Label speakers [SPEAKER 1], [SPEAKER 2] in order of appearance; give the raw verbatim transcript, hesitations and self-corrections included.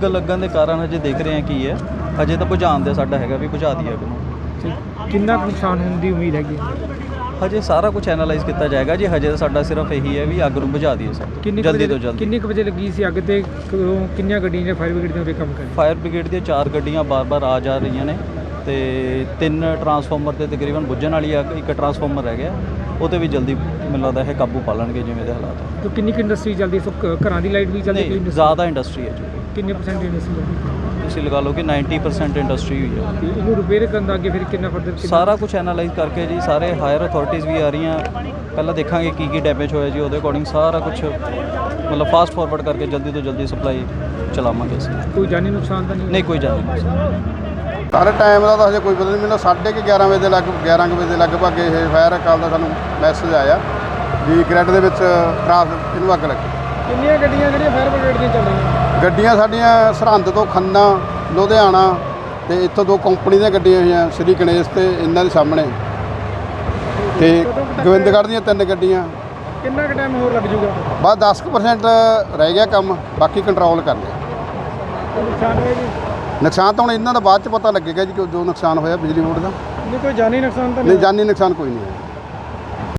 [SPEAKER 1] ਅੱਗ ਲੱਗਣ ਦੇ ਕਾਰਨ ਹਜੇ ਦੇਖ ਰਹੇ ਹਾਂ ਕੀ ਹੈ। ਹਜੇ ਤਾਂ ਬੁਝਾਉਣ ਦੇ ਸਾਡਾ ਹੈਗਾ ਵੀ ਬੁਝਾ ਦਈਏ ਅੱਗ ਨੂੰ।
[SPEAKER 2] ਕਿੰਨਾ ਕੁ ਨੁਕਸਾਨ ਹੋਣ ਦੀ ਉਮੀਦ ਹੈਗੀ?
[SPEAKER 1] ਹਜੇ ਸਾਰਾ ਕੁਝ ਐਨਾਲਾਈਜ਼ ਕੀਤਾ ਜਾਏਗਾ ਜੀ। ਹਜੇ ਤਾਂ ਸਾਡਾ ਸਿਰਫ ਇਹੀ ਹੈ ਵੀ ਅੱਗ ਨੂੰ ਬੁਝਾ ਦਈਏ ਸਰ, ਜਲਦੀ ਤੋਂ ਜਲਦੀ।
[SPEAKER 2] ਕਿੰਨੇ ਕੁ ਵਜੇ ਲੱਗੀ ਸੀ ਅੱਗ ਤੇ ਕਦੋਂ ਕਿੰਨੀਆਂ ਗੱਡੀਆਂ ਨੇ ਫਾਇਰ ਬ੍ਰਿਗੇਡ ਦੀਆਂ ਉਰੇ ਕੰਮ ਕਰ ਰਹੀਆਂ?
[SPEAKER 1] ਫਾਇਰ ਬ੍ਰਿਗੇਡ ਦੀਆਂ ਚਾਰ ਗੱਡੀਆਂ ਬਾਰ-ਬਾਰ ਆ ਜਾ ਰਹੀਆਂ ਨੇ ਤੇ ਤਿੰਨ ਟਰਾਂਸਫਾਰਮਰ ਤੇ ਤਕਰੀਬਨ ਬੁੱਝਣ ਵਾਲੀ ਅੱਗ, ਇੱਕ ਟਰਾਂਸਫਾਰਮਰ ਰਹਿ ਗਿਆ, ਉਹ 'ਤੇ ਵੀ ਜਲਦੀ ਮੈਨੂੰ ਲੱਗਦਾ ਇਹ ਕਾਬੂ ਪਾ ਲੈਣਗੇ ਜਿਵੇਂ ਦੇ ਹਾਲਾਤ।
[SPEAKER 2] ਤਾਂ ਕਿੰਨੀ ਕੁ ਇੰਡਸਟਰੀ ਚੱਲਦੀ ਸੋ ਘਰਾਂ ਦੀ ਲਾਈਟ ਵੀ ਚੱਲਦੀ?
[SPEAKER 1] ਨਹੀਂ, ਜ਼ਿਆਦਾ ਇੰਡਸਟਰੀ ਹੈ ਜੀ।
[SPEAKER 2] ਕਿੰਨੇ ਪਰਸੈਂਟ ਇੰਡਸਟਰੀ ਚੱਲਦੀ?
[SPEAKER 1] ਤੁਸੀਂ ਲਗਾ ਲਓ ਕਿ ਨਾਈਂਟੀ ਪਰਸੈਂਟ ਇੰਡਸਟਰੀ ਹੋਈ ਹੈ।
[SPEAKER 2] ਤੇ ਇਹਨੂੰ ਰਿਪੇਅਰ ਕਰਨ ਦਾ ਅੱਗੇ ਫਿਰ ਕਿੰਨਾ ਫਰਦਰ?
[SPEAKER 1] ਸਾਰਾ ਕੁਝ ਐਨਾਲਾਈਜ਼ ਕਰਕੇ ਜੀ, ਸਾਰੇ ਹਾਇਰ ਅਥਾਰਟੀਜ਼ ਵੀ ਆ ਰਹੀਆਂ। ਪਹਿਲਾਂ ਦੇਖਾਂਗੇ ਕੀ ਕੀ ਡੈਮੇਜ ਹੋਇਆ ਜੀ, ਉਹਦੇ ਅਕੋਰਡਿੰਗ ਸਾਰਾ ਕੁਝ ਮਤਲਬ ਫਾਸਟ ਫਾਰਵਰਡ ਕਰਕੇ ਜਲਦੀ ਤੋਂ ਜਲਦੀ ਸਪਲਾਈ ਚਲਾਵਾਂਗੇ ਅਸੀਂ।
[SPEAKER 2] ਕੋਈ ਜਾਨੀ ਨੁਕਸਾਨ ਤਾਂ ਨਹੀਂ?
[SPEAKER 1] ਨਹੀਂ, ਕੋਈ ਜਾਨੀ ਨੁਕਸਾਨ।
[SPEAKER 3] ਸਾਰੇ ਟਾਈਮ ਦਾ ਤਾਂ ਹਜੇ ਕੋਈ ਪਤਾ ਨਹੀਂ। ਮੈਨੂੰ ਸਾਢੇ ਕੁ ਗਿਆਰਾਂ ਵਜੇ ਦੇ ਲੱਗ ਗਿਆਰਾਂ ਕੁ ਵਜੇ ਦੇ ਲਗਭਗ ਇਹ ਫਾਇਰ ਕਾਲ ਦਾ ਸਾਨੂੰ ਮੈਸੇਜ ਆਇਆ ਵੀ ਗ੍ਰਿਡ ਦੇ ਵਿੱਚ ਟਰਾਂਸ ਇਹਨੂੰ ਅੱਗ ਲੱਗੀ।
[SPEAKER 2] ਕਿੰਨੀਆਂ ਗੱਡੀਆਂ ਜਿਹੜੀਆਂ ਫਾਇਰ ਬ੍ਰਿਗੇਡ ਦੀਆਂ ਚੱਲ ਰਹੀਆਂ?
[SPEAKER 3] ਗੱਡੀਆਂ ਸਾਡੀਆਂ ਸਰਹੰਦ ਤੋਂ ਖੰਨਾ, ਲੁਧਿਆਣਾ ਤੇ ਇੱਥੋਂ ਦੋ ਕੰਪਨੀ ਦੀਆਂ ਗੱਡੀਆਂ ਹੋਈਆਂ, ਸ਼੍ਰੀ ਗਣੇਸ਼ ਤੇ ਇਹਨਾਂ ਦੇ ਸਾਹਮਣੇ, ਤੇ ਗੋਬਿੰਦਗੜ੍ਹ ਦੀਆਂ ਤਿੰਨ ਗੱਡੀਆਂ।
[SPEAKER 2] ਕਿੰਨਾ ਕੁ ਟਾਈਮ ਹੋਰ ਲੱਗ ਜੂਗਾ?
[SPEAKER 3] ਬਸ ਦਸ ਕੁ ਪਰਸੈਂਟ ਰਹਿ ਗਿਆ ਕੰਮ, ਬਾਕੀ ਕੰਟਰੋਲ ਕਰ ਲਿਆ।
[SPEAKER 2] ਨੁਕਸਾਨ ਹੋਇਆ ਜੀ?
[SPEAKER 3] ਨੁਕਸਾਨ ਤਾਂ ਹੁਣ ਇਹਨਾਂ ਦਾ ਬਾਅਦ 'ਚ ਪਤਾ ਲੱਗੇਗਾ ਜੀ ਕਿ ਜੋ ਨੁਕਸਾਨ ਹੋਇਆ ਬਿਜਲੀ ਬੋਰਡ ਦਾ।
[SPEAKER 2] ਨਹੀਂ, ਕੋਈ ਜਾਨੀ ਨੁਕਸਾਨ ਤਾਂ
[SPEAKER 3] ਨਹੀਂ, ਜਾਨੀ ਨੁਕਸਾਨ ਕੋਈ ਨਹੀਂ ਹੈ।